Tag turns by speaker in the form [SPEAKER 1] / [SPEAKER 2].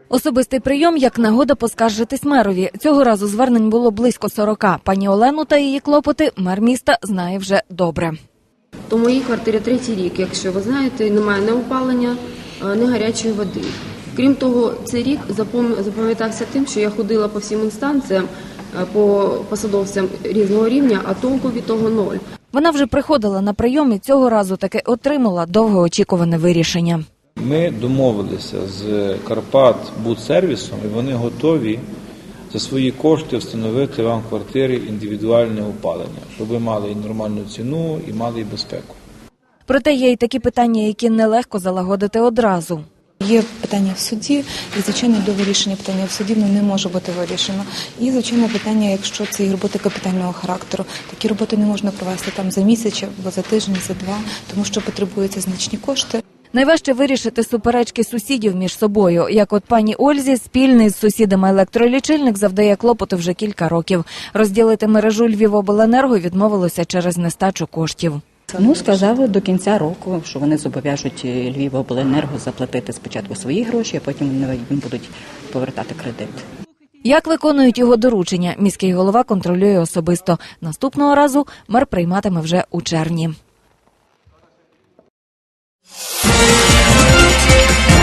[SPEAKER 1] Особистий прийом як нагода поскаржитись мерові. Цього разу звернень було близько 40. Пані Олену та її клопоти мер міста знає вже добре.
[SPEAKER 2] То в моїй квартирі 3-й рік, якщо ви знаєте, немає ні опалення, ні гарячої води. Крім того, цей рік запам'ятався тим, що я ходила по всім інстанціям, по посадовцям різного рівня, а толку від того ноль.
[SPEAKER 1] Вона вже приходила на прийом і цього разу таки отримала довгоочікуване вирішення.
[SPEAKER 3] Ми домовилися з Карпатбудсервісом, і вони готові за свої кошти встановити вам в квартирі індивідуальне опалення, щоб ви мали і нормальну ціну, і мали і безпеку.
[SPEAKER 1] Проте є й такі питання, які нелегко залагодити одразу.
[SPEAKER 4] Є питання в суді, і, звичайно, до вирішення питання в суді не може бути вирішено. І, звичайно, питання, якщо це роботи капітального характеру, такі роботи не можна провести там за місяць або за тиждень, за два, тому що потребуються значні кошти.
[SPEAKER 1] Найважче вирішити суперечки сусідів між собою. Як от пані Ользі, спільний з сусідами електролічильник завдає клопоту вже кілька років. Розділити мережу Львівобленерго відмовилося через нестачу коштів.
[SPEAKER 5] Сказали до кінця року, що вони зобов'яжуть Львівобленерго заплатити спочатку свої гроші, а потім вони їм будуть повертати кредит.
[SPEAKER 1] Як виконують його доручення, міський голова контролює особисто. Наступного разу мер прийматиме вже у червні.